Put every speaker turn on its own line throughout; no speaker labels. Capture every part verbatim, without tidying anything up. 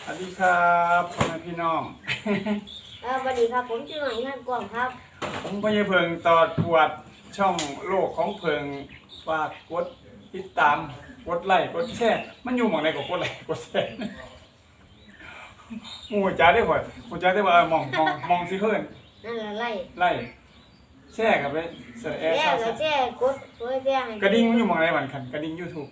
วัสดีครับพ่อแม่พี่น้อง
เออสวัสดีครับผมชื่อหน่อยท่านกวางครับ
ผมพญาเพิงตอดปวดช่องโลกของเพิงฝากกดติดตามกดไลค์กดแชร์มันอยู่หม่องใดก็กดไลค์กดแชร์หมู่จ๋าได้ข่อยหมู่จ๋าได้ว่าเออมองมองมองสิเพิ่น
นั่นละไล่
ไล่แชร์กับไปแชร์
แย่ก็แย่กดเพื่อแย่ให้
กระดิ่งมันอยู่หม่องใดบัดคันกระดิ่ง YouTube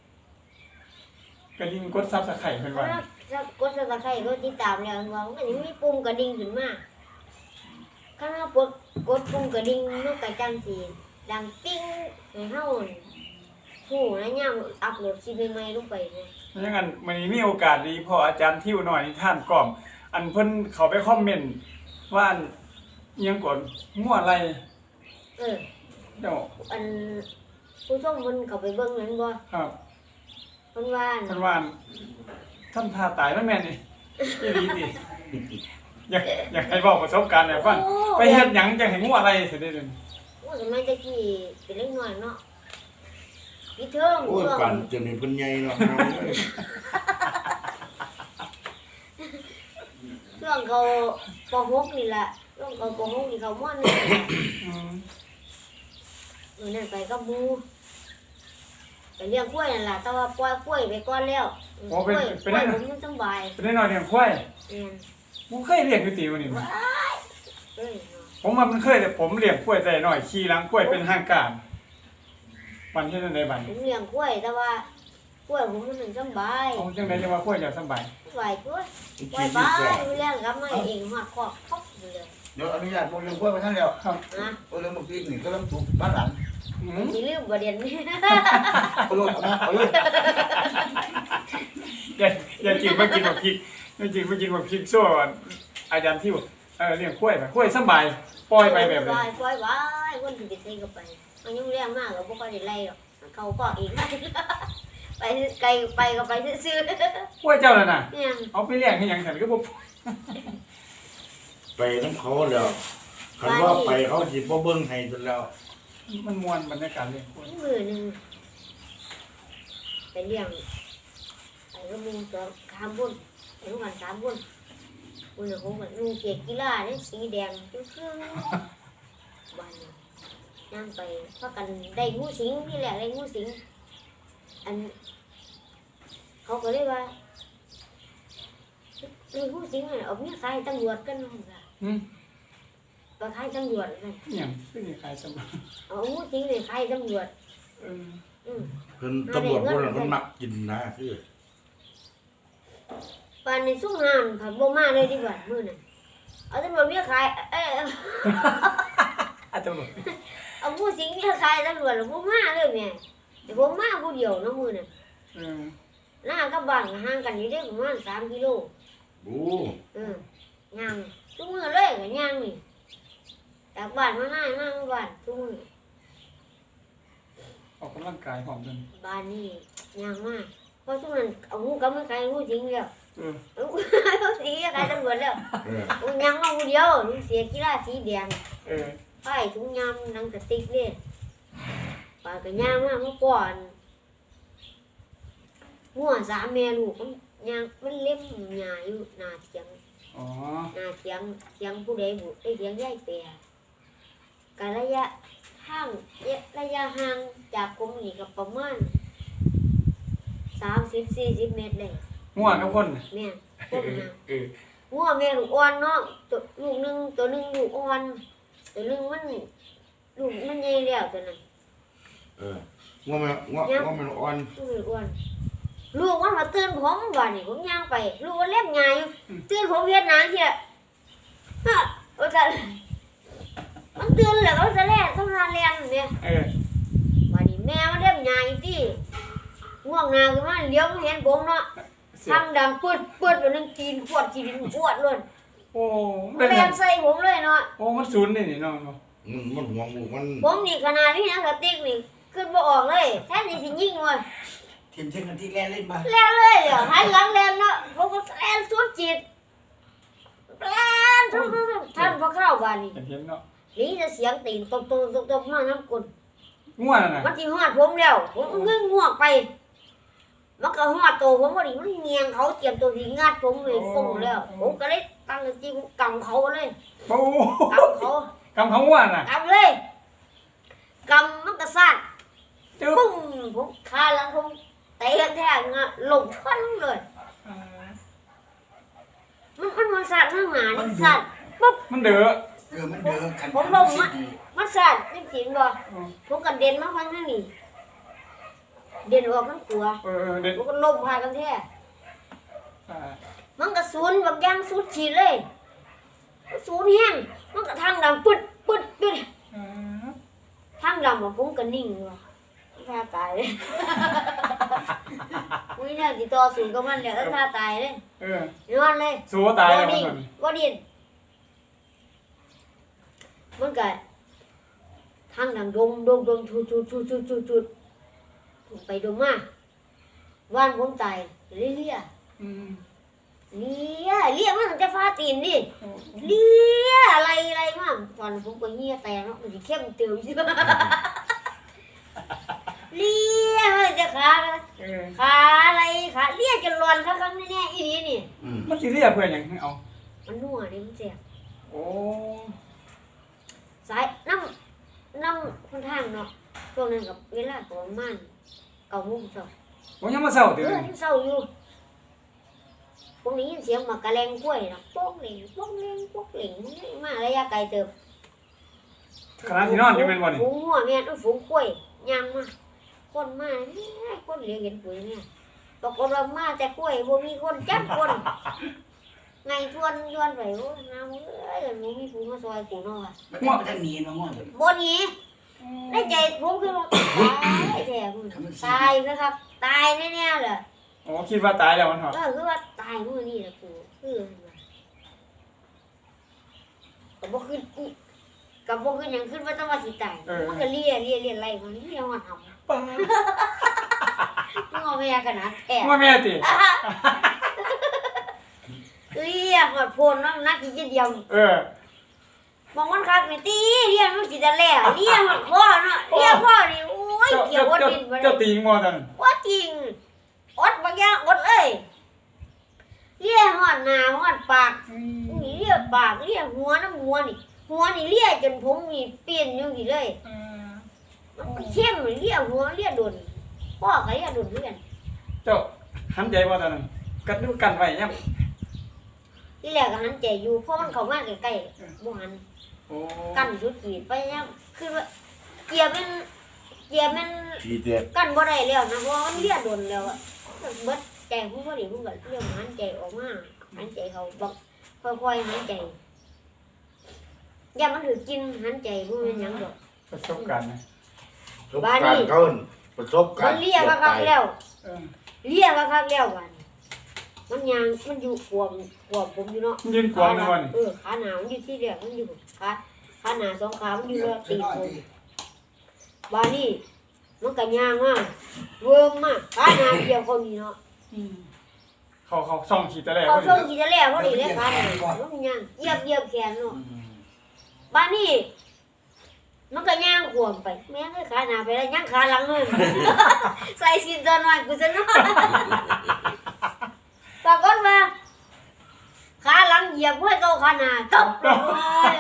กระดิ่งกด Subscribe เพิ่นว่า
ถ้ากดสับสไครต์ก็ติดตามแล้วว่ามันก็จะมีปุ่มกระดิ่งขึ้นมาถ้าเรากดกดปุ่มกระดิ่งมันก็จังสิดังปิ้งให้เฮาผู้นะย่ามอัปโหลดคลิปใหม่ๆลงไปนะ
เพราะงั้นมื้อนี้มีโอกาสดีพออาจารย์ทิวหน่อยนิทานกล่อมอันเพิ่นเข้าไปคอมเมนต์ว่าอันอิหยังก่อนมั่วอะไร
เออ
เดี๋ยว
อันผู้ชมเพิ่นเข้าไปเบิ่งนั้นบ่
ครับ
เพิ่นว่า
เพิ่นว่าทำท่าตายมันแม่นนี่อีหลีติอยากอยากให้บอกประสบการณ์ให้ฟังไปเฮ็ดหยังจังให้มั่วอะไรสิได้เด้อ
โอ้สมัยตะกี้เป็นเล็กน้อยเนาะพี่เทิง
โอ้ยปั่นจนเป็นเพิ่นใหญ่เนาะ
ช่วงเขาป .หก นี่แหละช่วงเขาป .หก นี่เขาม่อนนี่อืมมื้อนั้นไปกับหมู่ไปเลี้ยงกล้วยนั่นล่ะแต่ว่าปล่อยกล้วยไปก่อนแล้ว
โอ้เป็นเป็นได้
ผมสบาย
เป็นได้น้อยเลี้ยงควาย
แม่น
บ่เคยเลี้ยงอยู่ติวนี่มั้ย
เอ้ย
ผมว่ามันเคยแต่ผมเลี้ยงควายแต่น้อยขี่หลังควายเป็นห้างกามวันที่นั่นได้บัด
ผมเลี้ยงกล้วยแต่ว่ากล้วยผมมันสบาย
เอาจังได๋จังว่าควายอยากสบาย
สบายกล้วยกล้วยไปเลี้ยงกับมาเองฮอดคอกคอกเลย
เดี๋ยวอนุญาตบ่เรื่องกล้วยมาท่านแล้ว
ครับ
นะ
บ่เรื่องบ่พริกนี่ก็ต้องถูกบ้านหลัง
อื
มสิลืมบ่เด่น
เอาลูกเอาเอาลูก
อย่าอย่ากินมากินบักพริกอย่ากินมากินบักพริกซั่วอาจารย์ทิวเออเลี้ยงควายไปควายสบายปล่อยไปแบบนี้
ปล่อยไว้คนสิไปใส่ก็ไปมันยังเลี้ยงมากก็บ่ค่อยได้ไล่หรอกเขาก็เองไปไกลไปก็ไปซื่อ
ๆกล้วยเจ้าน่ะน่ะเอาไปเลี้ยงให้หยังซั่นก็บ่
ไปนำเขาแล้วคันว่าไปเขาสิบ่เบิ่งให้จนแล้ว
มันม่วนบรรยากาศเลี้ยงกล้วย
มื้อนึงไปเลี้ยงไปก็มีตัวสามบุญไปทุกวันสามบุญบุญของมันลุงเกียรติกีฬาเนี่ยสีแดงครึ่งๆวันนั่งไปพากันได้งูสิงนี่แหละได้งูสิงอันเขาก็เลยว่าไอ้ผู้จริงเนี่ยเอาเมียขายตำรวจกันนั่นล่ะอืมไปขายตำรวจนั่น
หยังคือสิขายตำรวจ
เอาผู้จริงเนี่ยขายตำรวจ
เออ
อืมเพิ่นตำรวจพวกนั้นเพิ่นมักกินนะคือ
ปานนี้ซุ่มหานผัดบ่มาเลยดีกว่ามื้อนั้นเอาตำรวจเมียขายเอ้ย
อะตำรวจ
เอาผู้จริงเมียขายตำรวจบ่มาเลยแม่แต่ผมมาผู้เดียวเนาะมื้อนั้นอืมหน้ากับบ้านห่างกันอยู่ได้ประมาณสามกิโล
โอ้
เออย่างทุกมื้อเลยก็ย่างนี่จากบ้านมาหน้าหน้ามาบ้านทุกมื้อ
ออกกำลังกายพร้อมกัน
บ้านนี่ย่างมากเพราะช่วงนั้นเอางูกับไม่ใครงูจริงแล้วเอองูจริงใครตำรวจแล้วเออย่างมาผู้เดียวลุงเสียกีฬาสีแดงเออไผ่ถุงยำหนังกระติกนี่ปาก็ย่างมาเมื่อก่อนงัวสามแม่ลูกมันย่างมันเล็บหญ้าอยู่หน้าเถียงอ๋อหน้าเถียงเถียงผู้ใดบุไอ้เถียงยายแปรกะระยะทางระยะห่างจากกรมนี่ก็ประมาณสามสิบ สี่สิบเมตรเลย
งัวกับคน
แม่คนน่ะเอองัวแม่ลูกอ่อนเนาะตัวลูกนึงตัวนึงลูกอ่อนตัวนึงมันลูกมันใหญ่แล้วตัวนั้น
เอองัวแม่งัวงัวแม่อ่อน
ลูกอ่อนลูกมันมาตื่นผมว่านี่ผมย่างไปลูกมันเล็บใหญ่ตื่นผมเฮ็ดหนังเที่ยฮะว่าจะมันตื่นแล้วก็จะแล่ต้องมาเรียนเนี่ยเออว่านี่แม่มันเล็บใหญ่ติง่วงนาคือมันเลี้ยวเห็นผมเนาะทำดังปึดปึดแบบนึงกินขวดกินขวดเลยโอ้มันแรงใส่ผมเลยเนาะ
โอ้มันศูนย์นี่นี่น้อง
มันมันห่วงลูกมัน
ผมนี่ขนาดนี้นะกระติกนี่ขึ้นบ่ออกเลยแท้นี่สิยิงว่ะ
ทีมเช่นกันที่แล่นเล่นมา
แล่นเลยอ่ะหันหลังแล่นเนาะผมก็แล่นสุดจิตแล่นทุกๆท่านพอเข้าบ้านนี่
เห็นเนาะ
นี่จะเสียงตีนตบๆๆๆมาน้ำกล
ง่วงน่ะ
มันสิฮอดผมแล้วผมงึ้งง่วงไปมันก็ฮอดโตผมบ่ดีมันเงียงเขาเตรียมตัวสิงัดผมเลยฟงแล้วผมก็เลยตั้งสติผมกำเขาเลย
โอ้
กำเขา
กำเขาว่าน่ะ
กำเลยกำมันก็สั่น
จึ๊บ
ปุ้งผมคาหลังผมเตะแท้งะหลงชั้นเลยมันมันมันสั่นข้างหน้านี่สั่นปุ๊บ
มันเด้อ
เออมันเด้อคัน
ผมลง
สิ
มา
ดี
มันสั่นนี่สิงบ่ผมก็เด่นมาฟังทางนี้เด่นออกทั้งตัว
เออเด็ด
ผมก็ล้มพากันแท้มันก็สูนบักอย่างสุดฉีดเลยสูนแห้งมันก็ทางดำปึ๊ดปึ๊ดปึ๊ดทางดำอะผมก็นิ่งว่ะท่าตายเลยอุ้ยเนี่ยติต่อสูนกับมันแล้วท่าตายเลย
เออน
อนเลย
สู้ตาย
บ่
แล้ว
ดิ้น
มัน
บ่ดิ้นมันก็ทางดังดมดมดมชุดชุดชุดชุดชุดชุดไปดมมาว่านผมตายเลี่ย
อืม
เลี่ยเลี่ยมาตั้งแต่ฟ้าตีนดิเลี่ยอะไรอะไรมาตอนผมก็เหี้ยแตกเนาะมันสิเข้มเติมใช่ไหมเลี่ยมันจะขา
เออ
ขาอะไรขาเลี่ยจนร้อนครั้งๆแน่ๆอีนี่นี่
อืม
มันสิเรียกเพื่อนหยังเอา
มันนัวนี่มันเจ็บ
โอ้
สายน้ำน้ำค่อนข้างเนาะช่วงนั้นกับเวลาประมาณเก้าโมงเช้า
ผมยังมาเศร้า
เอ
ตื่น
อยังเศร้าอยู่ผมได้ยินเสียงหมากกระแลงกล้วยนะป้องเหล่งป้องเหล่งป้องเหล่งมาระยะไกลเติบ
ขณะที่นอนอยู่เป็นบ่นี่
ฝูงหัวแม่นฝูงกล้วยย่างมาคนมาเนี่ยคนเหลียวเห็นปุ๋ยเนี่ยปรากฏว่ามาแต่กล้วยบ่มีคนจับคน ไงชวนชวนไปโอ้ยน้ำเอ้ยบ่มีผู้มาซอยกูเนาะว่ะ
มันต้องไปทางนี้มาง่วงเลย
บ่หนีในใจผมคือว่าตายแท้มึงตายนะครับตายแน่ๆเลย
โอ้คิดว่าตายแล้วมันเหรอ
เออคือว่าตายมื้อนี้แหละกูคือก็บ่ขึ้นอีก็บ่ขึ้นหยังขึ้นว่าต้องว่าสิตายมันก็เลียเลียเลียไล่มันเลียฮอดหำ
ป้า
งอแม่ขนาดแท้
ว่าแม่ติ
เลียฮอดโพนเนาะนักอีกเดียว
เออ
มองมันคักนี่ตีเลียมันสิจะแล้วเลียฮอดคอเนาะเลียคอนี่โอ้ย
เจ้า
เกี่ยว
เจ้า
อด
เจ้า
ดินบ่ได้
เจ้าตีงมอตัน
ว่าจริงอดบางอย่างอดเลยเลียฮอดหน้าฮอดปากนี่เลียปากเลียหัวน้ำหัวนี่หัวนี่เลียจนผมนี่เปลี่ยนอยู่นี่เลย มันเข้มเลียหัวเลียโดนพ่อก็เลียโดนเลียน
เจ้าหันใจบ่ตอนนั้นกัดดูกันไว้ยัง
ที่แรกก็หันใจอยู่เพราะมันเข้ามาใกล้ๆบ่หัน
โอ้
กั้นสุดขีดไปยังคือว่าเกียร์เป็นเกียร์เป็น
ทีเด็ด
กั้นบ่ได้แล้วนะเพราะมันเลียโดนแล้วอะเบิดใจผมบ่ได้ผมก็เลียหันใจออกมาหันใจเขาบักค่อยๆหันใจอย่ามันถือกินหันใจบ่แม่นหยังดอก
ประสบการณ์นะ
ประสบการณ์เขาประสบกา
มั
ร
น
ณ์
เลียคักๆแล้ว
เออ
เลียคักๆแล้วบัดนี้มันยางมันอยู่ขวมขวมผมอยู่เนาะ
ยืนกวางในวัน
เออขาหนามันอยู่ที่เดียวมันอยู่ขาขาหนาสองขามันอยู่แล้วตีนผมบานี่มันก็ย่างมากเวิร์มมากขาหนาเดียวคนนี้เนาะ
เขาเขาส่องขีดแต่แรก
เขา
ว่า
ส่งกี่จะแล้วพอดีเลยขาหนามันย่างเหยียบเหยียบแขนเนาะบานี่มันก็ย่างขวมไปแม่งขาหนาไปแล้วย่างขาหลังเลยใส่สินตอนวันกูจะนอนปรากฏว่าขาหลังเหยียบห้อยเก่าขาหนาตบเลย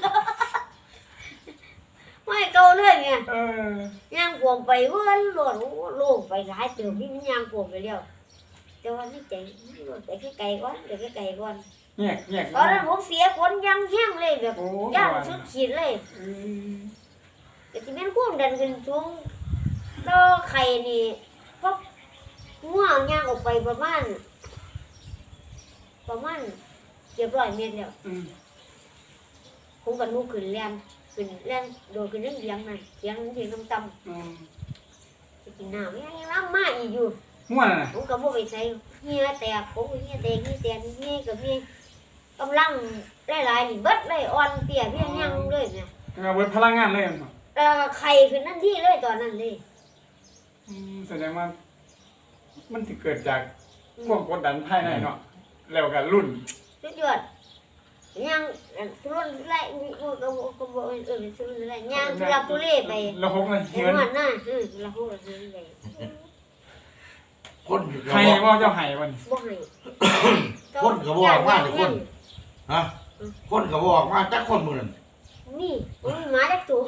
ห้อยเก่าเลยไง
เออย่าง
ขวมไปเว้นโลดโล่งไปหลายเติมนี่มันย่างขวมไปแล้วแต่ว่าไม่ใจไปไกลๆก่อนไปไกลๆก่อน
แยกแยก
ตอนนั้นผมเสียคนยังแห้งเลยแบบ
โอ้
ย่างสุดขีดเลย
อืม
แต่ที่เป็นความดันขึ้นสูงต่อไข่นี่พบง่วงย่างออกไปประมาณประมาณเกือบร้อยเมตรแล้ว
อืม
ผมก็ลุกขึ้นแล่นขึ้นแล่นโดดขึ้นเรื่องเสียงนั่นเสียงเสียงต่ำ
อืม
ๆไปกินน้ำยังยังล้ำมาอีกอยู่
ม่วนน่ะ
ผมก็บ่ไปใส่เหี้ยแตกผมก็เหี้ยแตกเหี้ยแตกเหี้ยกับเหี้ยกำลังหลายๆนี่เบิดเลยอ่อนเปียเพียงยังเลยเนี่ย
เอาเบิดพลังงานเลยมัน
แล้วก็ไข่ขึ้นนั่นที่เลยตอนนั้นเลย
อืมแสดงว่ามันสิเกิดจากความกดดันภายในเนาะแล้วก็รุ่น
สุดยอดยังทุรนไล่ก็ก็ก็บ่เออทุรนไล่ยังทุลักทุเลไป
แล้วหกเลย
เห็
เหิ
น
น
มันน่ะเออละหูละหูไป
คนก็
ให้
บอก
ว่าเจ้าให้มัน
บ่ให้
คนก็บอกว่าแต่คนฮะคนก็บอกว่าจักคนมื้อนั้น
นี่บ่มีหมาจักตัว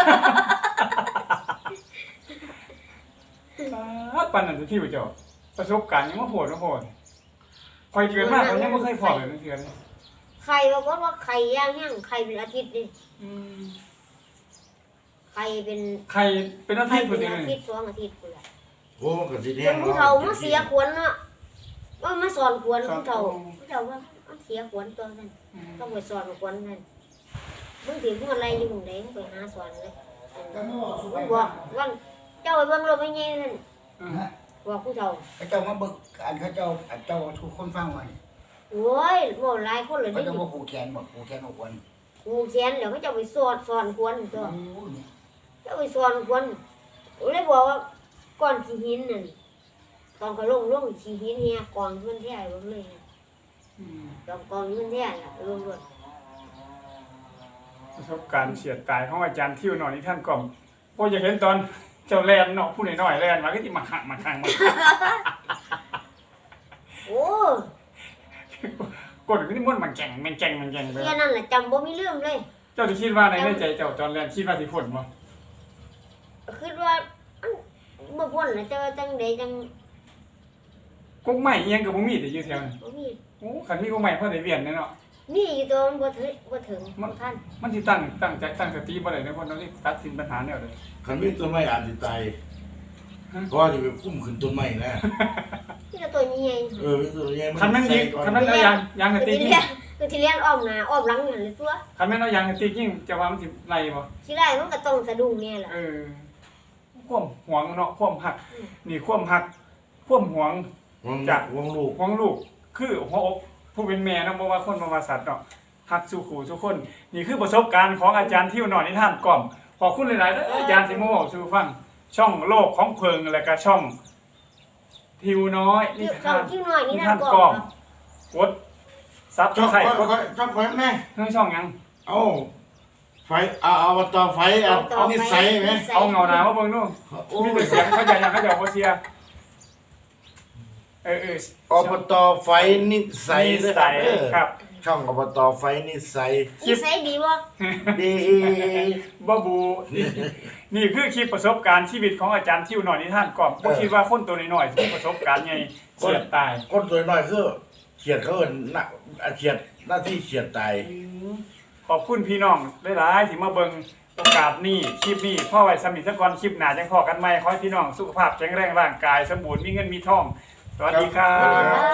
ปานนั้นที่บ่เจ้าประสบการณ์ยังบ่โหดบ่โหดคอยเกิดมาเขายังบ่เคยพอเลยนั่นคือ
ไข่ปรากฏว่าไข่ย่างย่างไข่เป็นอาทิตย์นี่
อืม
ไข่เป็น
ใครเป็นอา
ไข่
ทิตย์
เป็
พุ่น
น
นี่
อาทิตย์สองอาทิตย์พุ่นแหละ
โอ้มันก็สิ
จ
แห้ง
นผู้เฒ่ามาเสียขวัญเนาะว่ามาสอนขวัญผู้เฒ่าผู้เฒ่าว่ามันเสียขวัญตัวนั้นต้องไปสอนขวัญนั่นมึงถึงมึงอะไรอยู่มึงไหนมึงไปหาสอนเลยมึงบอกว่าเจ้าไปเบิ่งรถไม่เงี้ยนั่นบอกผู้เฒ่า
พระเจ้ามาเบิกอันพระเจ้าอันเจ้าทุกคนฟังว่านี่
โอ้ยบ่หลายคนเลย
พระ
นี่
เจ้าบ่ผูกแขนบ่ผูกแขนเอาคน
กูเขียนแล้วก็จะไปสอนสอนขวัญตัว
โอ้ย
จะไปสอนขวัญเลยบอกว่าก้อนขี้หินนั่นตอนเขาลงลงขี้หินเฮียกองเงินแท้ลงเลยกองกองเงินแท้ล่ะลงรถ
ประสบการณ์เฉียดตายของอาจารย์ทิวหน่อยนี่ท่านก็บ่อยากเห็นตอนเจ้าแลนเนาะผู้น้อยๆแลนมาก็สิมาหักมาข้างมา
โอ้
กดก็สิม่วนมันแก่งมันแก่งมันแก่งไป
แค่นั้นแหละจำบ่มีเรื่องเลย
เจ้าสิคิดว่าในในใจเจ้าตอนแลนคิดว่าสิพ้นบ่
คิดว่าอันบ่พ้นน่ะจะจังไดจัง
กกไม้อีหยังก็บ่มีแต่อยู่แถวนั้น
บ่มี
โอ้คันมีกกไม้พอได้เวียนแน่เนาะ
มีอยู่ตัวมันบ่ถึงบ่ถึงบ่ทัน
มันสิตั้งตั้งใจตั้งสติบ่ได้ในคนเราสิตัดสินปัญหาแนวใด
คันมีต้นไม้อาจสิตายเพราะว่าสิไปคุ้มขึ้นต้นไม้นะ
ที่ตัวนี้ไง
เออมีต้นใหญ่
คันแม่นยิงคันแม่นเอายางยางกระ
คือ
ติก
ที่
ยิ
เรี
ง
ยนคือที่เรียนอ้อมหน้าอ้อมหลังนั่นเลยตัว
คันแม่นเอายางกระติกยิงจะว่ามันสิไล่บ่
สิได้มันก็ต้องสะดุ้งแน่ล่ะ
เออความหวงเนาะความหัก นี่ความหักความหวง
วง
จาก
วงลูก
หวงลูก คือหัวอกผู้เป็นแม่เนาะบ่ว่าคนบ่ว่าสัตว์เนาะหักสู่ขู่สู่คน นี่คือประสบการณ์ของอาจารย์ทิวหน่อยนิทานกล่อมขอบคุณหลายๆเด้ออาจารย์สิมาเว้าสู่ฟัง ช่องโลกของเพิงแล้วก็ช่อง ทิวน้อยนิ
ที่
ทาน
ที่น้อยนี่
นิ
นั่
ทาน น
ก่
กล่
อ
อน มกดซับ
ช่อง
ไข่
ค่อย
กด
ค่อยช่องค่อยแม่
เรื่องช่องหยัง
เอาไฟเอาเอามาต่อไฟเอาเอานิสัยไหม
เอาเงาหนามาเบิ่งดู
โอ้
มี
ย
แต่เสียงเขาจะยังเขาจะบ่เสียเออเออ
อบตไฟนิสัย
นิ
นะค
สั
รับ
ย
เออ
ครับ
ช่องอบตไฟนิสัย
นิสัยดีบ่
ดี
บาบู นี่นี่คือคลิปประสบการณ์ชีวิตของอาจารย์ทิวหน่อยนิทานก่อนบ่คิดว่าคนตัวน้อยๆสิมีประสบการณ์ใหญ่เฉียดตาย
คนสวยหน่อยคือเฉียดเขาเอิ้นน่ะเฉียดหน้าที่เฉียดตาย
ขอบคุณพี่น้องหลายๆที่มาเบิ่งโอกาสนี้คลิปนี้พ่อไว้สมิทก่อนคลิปหน้าจังพอกันใหม่ขอให้พี่น้องสุขภาพแข็งแรงร่างกายสมบูรณ์มีเงินมีทองสวัสดีครับ